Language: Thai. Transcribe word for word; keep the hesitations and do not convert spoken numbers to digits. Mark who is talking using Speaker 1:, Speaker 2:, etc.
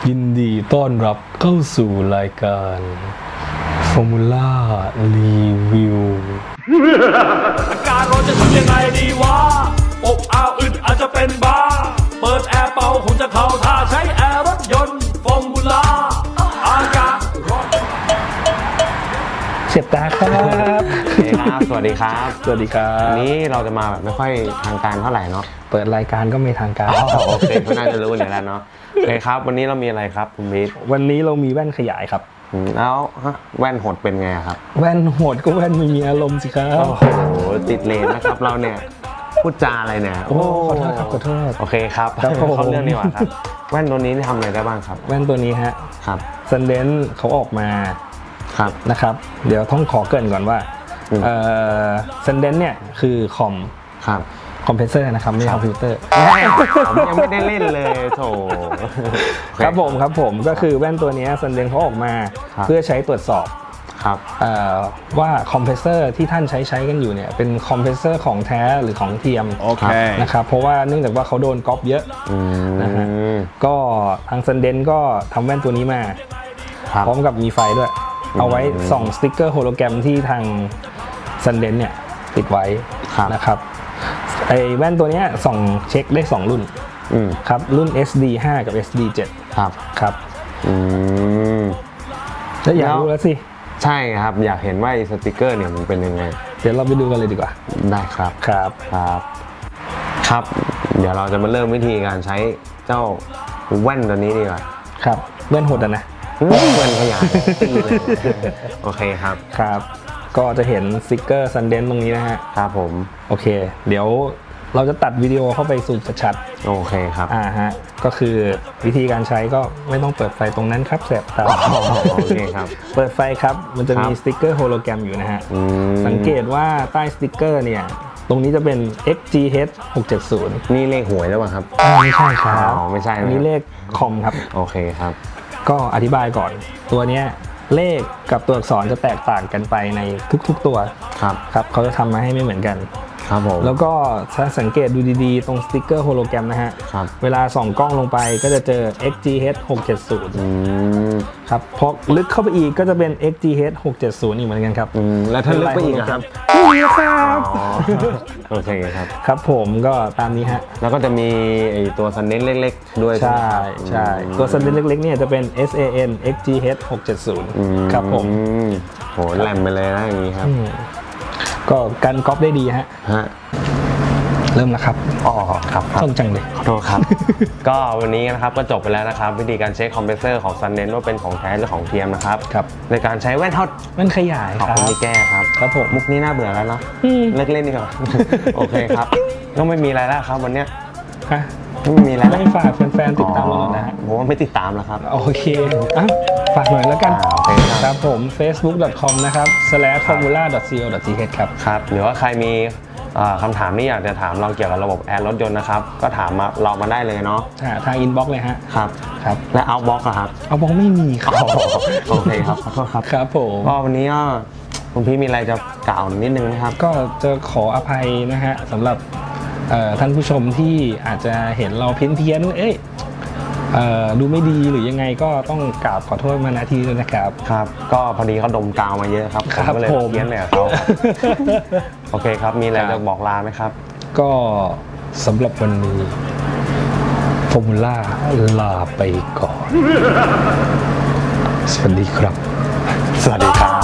Speaker 1: ยินดีต้อนรับเข้าสู่รายการ Formula Review
Speaker 2: อาการร้อนจะทำยังไงดีวะอบอ้าวอึดอาจจะเป็นบ้าเปิดแอร์เป่าคงจะเข้าท่าใช้แอร์รถยนต์ฟอร์มูล่าอากาศร้อน
Speaker 1: เสียบตาครับ
Speaker 3: โอเคครับ สวัสดีครับ
Speaker 1: สวัสดีครับ
Speaker 3: วันนี้เราจะมาแบบไม่ค่อยทางการเท่าไหร่เนาะ
Speaker 1: เปิดรายการก็ไม่ทางการ
Speaker 3: อ๋อโอเคก็น่าจะรู้อยู่แล้วเนาะโอเคครับ วันนี้เรามีอะไรครับคุณบิ๊ก
Speaker 1: วันนี้เรามีแว่นขยายครับ
Speaker 3: อืมแล้วฮะแว่นหดเป็นไงครับ
Speaker 1: แว่นโหดก็แว่นไม่มีอารมณ์สิครับ
Speaker 3: โอ้โหติดเลนนะครับเราเนี่ยพูดจาอะไรเนี่ย
Speaker 1: โอ้ขอโทษครับขอโทษ
Speaker 3: โอเคครับ
Speaker 1: ครับผม
Speaker 3: เข้าเรื่องดีกว่าครับแว่นตัวนี้ทำอะไรได้บ้างครับ
Speaker 1: แว่นตัวนี้ฮะ
Speaker 3: ครับ
Speaker 1: ซันเดนเขาออกมา
Speaker 3: ครับ
Speaker 1: นะครับ เดี๋ยวต้องขอเกริ่นก่อนว่า
Speaker 3: อืม
Speaker 1: เอ่อซันเดนเนี่ยคือคอม
Speaker 3: ครับ
Speaker 1: คอมเพรสเซอร์นะครับไม่ใช่คอมพิวเตอร์
Speaker 3: ผมยังไม่ได้เล่นเลยโถ
Speaker 1: ครับผมครับผมก็คือแว่นตัวนี้ซันเดนเขาออกมา
Speaker 3: ครับ
Speaker 1: เพื่อใช้ตรวจสอบ
Speaker 3: ครับ
Speaker 1: เอ่อว่าคอมเพรสเซอร์ที่ท่านใช้ใช้กันอยู่เนี่ยเป็นคอมเพรสเซอร์ของแท้หรือของเทียม
Speaker 3: โอเค
Speaker 1: นะครับเพราะว่าเนื่องจากว่าเขาโดนก๊อปเยอะ
Speaker 3: อื
Speaker 1: นะฮะ
Speaker 3: ม
Speaker 1: ก็ทางซันเดนก็ทำแว่นตัวนี้มา
Speaker 3: ครับ
Speaker 1: พร้อมกับมีไฟด้วย เอาไว้ส่องสติ๊กเกอร์โฮโลแกรมที่ทางซันเดนเนี่ยติดไว้
Speaker 3: ครับ
Speaker 1: นะครับไอแว่นตัวเนี้ยส่องเช็คได้สองรุ่น
Speaker 3: อืม
Speaker 1: ครับรุ่น เอส ดี ไฟว์ กับ เอส ดี เซเว่น
Speaker 3: ครับ
Speaker 1: ครับ
Speaker 3: อืม
Speaker 1: แล้วอยาก
Speaker 3: แล้ว
Speaker 1: รู้แล้วสิ
Speaker 3: ใช่ครับอยากเห็นว่าไอ้สติกเกอร์เนี่ยมันเป็นยังไง
Speaker 1: เดี๋ยวเราไปดูกันเลยดีกว่า
Speaker 3: ได้ครับ
Speaker 1: ครับ
Speaker 3: ครับ ครับ เดี๋ยวเราจะมาเริ่มวิธีการใช้เจ้าแว่นตัวนี้ดีกว่า
Speaker 1: ครับแว่นโหดอะนะ
Speaker 3: แว่นขยายตีเลยโอเคครับ
Speaker 1: ครับก็จะเห็นสติกเกอร์ซันเดนตรงนี้นะฮะ
Speaker 3: ครับผม
Speaker 1: โอเค เดี๋ยวเราจะตัดวิดีโอเข้าไปสู่ชัด
Speaker 3: โอเคครับ
Speaker 1: ๆอ่าฮะก็คือวิธีการใช้ก็ไม่ต้องเปิดไฟตรงนั้นครับแสบตา
Speaker 3: โอเคครับ
Speaker 1: เปิดไฟครับมันจะมี
Speaker 3: ครับ
Speaker 1: สติกเกอร์โฮโลแกรมอยู่นะฮะ
Speaker 3: อืม
Speaker 1: สังเกตว่าใต้สติกเกอร์เนี่ยตรงนี้จะเป็น เอ็กซ์ จี เอช หกเจ็ดศูนย์
Speaker 3: นี่เลขหวยหรือเปล่าครับ
Speaker 1: ไม่ใช่ครับ
Speaker 3: อ๋อไม่ใช่นะ
Speaker 1: อันนี้เลขคอมครับ
Speaker 3: โอเคครับ
Speaker 1: ก็อธิบายก่อน ตัวเนี้ยเลขกับตัวอักษรจะแตกต่างกันไปในทุกๆตัว
Speaker 3: ครับ
Speaker 1: ครับเขาจะทำมาให้ไม่เหมือนกัน
Speaker 3: ครับผม
Speaker 1: แล้วก็ถ้าสังเกตดูดีๆ ตรงสติกเกอร์โฮโลแกรมนะฮะ
Speaker 3: ครับ
Speaker 1: เวลาส่องกล้องลงไปก็จะเจอ เอ็กซ์ จี เอช หกเจ็ดศูนย์
Speaker 3: อืม
Speaker 1: ครับพอลึกเข้าไปอีกก็จะเป็น เอ็กซ์ จี เอช หกเจ็ดศูนย์อีกเหมือนกันครับ
Speaker 3: อืมแล้วถ้าลึกไปอีกอะครับ
Speaker 1: นี่ครับ
Speaker 3: อ๋อโอเคครับ
Speaker 1: ครับผมก็ตามนี้ฮะ
Speaker 3: แล้วก็จะมีไอตัวซันเน้นเล็กๆ ด้วย
Speaker 1: ใช่
Speaker 3: ไหมครับ
Speaker 1: ใช่ตัวซันเดนเล็กๆเนี่ยจะเป็น เอส เอ เอ็น เอ็กซ์ จี เอช หกเจ็ดศูนย์
Speaker 3: อื
Speaker 1: ครับผม
Speaker 3: โหแหลมไปเลยนะอย่างนี้ครับ
Speaker 1: อืมก็กันก๊อปได้ดีฮะ
Speaker 3: ฮะ
Speaker 1: เริ่มแล้วครับ
Speaker 3: อ๋อครับครับ
Speaker 1: ต้องจังเลย
Speaker 3: ขอโทษครับ ก็วันนี้นะครับก็จบไปแล้วนะครับ วิธีการเช็คคอมเพรสเซอร์ของซันเน้นว่าเป็นของแท้หรือของเทียมนะครับ
Speaker 1: ครับ
Speaker 3: ในการใช้แว่นทอด
Speaker 1: มันขยาย
Speaker 3: ขอบ
Speaker 1: ครั
Speaker 3: คุณ
Speaker 1: บ
Speaker 3: ที่แก้ครับ
Speaker 1: ครับผม
Speaker 3: มุกนี้น่าเบื่อแล้วเนาะ
Speaker 1: อืม
Speaker 3: เลิกเล่นดีกว่า โอเคครับก็ไม่มีอะไรแล้วครับวันเนี้ย
Speaker 1: ฮะ
Speaker 3: ไม่มีอะไรแล้ว
Speaker 1: ไม่ฝากแฟนๆติดตามเราหน่อยนะฮะ
Speaker 3: ผมว่าไม่ติดตามแล้วครับ
Speaker 1: โอเคอ่ะฝากหน่อยแล้วกัน
Speaker 3: อ่าโอเคครับ
Speaker 1: ครับผม เฟซบุ๊ก ดอท คอม นะครับ สแลช ฟอร์มูล่า ดอท ซี โอ ดอท ที เอช ครับ
Speaker 3: ครับหรือว่าใครมีเอ่อคำถามที่อยากจะถามเราเกี่ยวกับระบบแอร์รถยนต์นะครับ ก็ถามมาเรามาได้เลยเนาะ
Speaker 1: อ่าทางอินบ็อกซ์เลยฮะ
Speaker 3: ครับ
Speaker 1: ครับ
Speaker 3: และเอาบ็อกอะครับ
Speaker 1: เอาบอกไม่มีครับ
Speaker 3: โอเคครับขอโทษครับ
Speaker 1: ครับผม
Speaker 3: ก็วันนี้ก็คุณพี่มีอะไรจะกล่าวนิดนึงไหมครับ
Speaker 1: ก็จะขออภัยนะฮะสำหรับเอ่อท่านผู้ชมที่อาจจะเห็นเราเพี้ยนเพี้ยนๆเอ๊ะเอ่อดูไม่ดีหรือยังไงก็ต้องกราบขอโทษมาณที่ด้วยนะครับ
Speaker 3: ครับ ก็พอดีเขาดมกาวมาเยอะครับผม
Speaker 1: ครับ
Speaker 3: ก็เลย
Speaker 1: ผม
Speaker 3: เพี้ยนเลยกับเขาครับ โอเคครับ มีอะไร
Speaker 1: ครั
Speaker 3: จะ
Speaker 1: บ
Speaker 3: บอกลาไหมครับ
Speaker 1: ก็สำหรับวันนี้ฟอร์มูล่าลาไปก่อน สวัสดีครับ
Speaker 3: สวัสดีครับ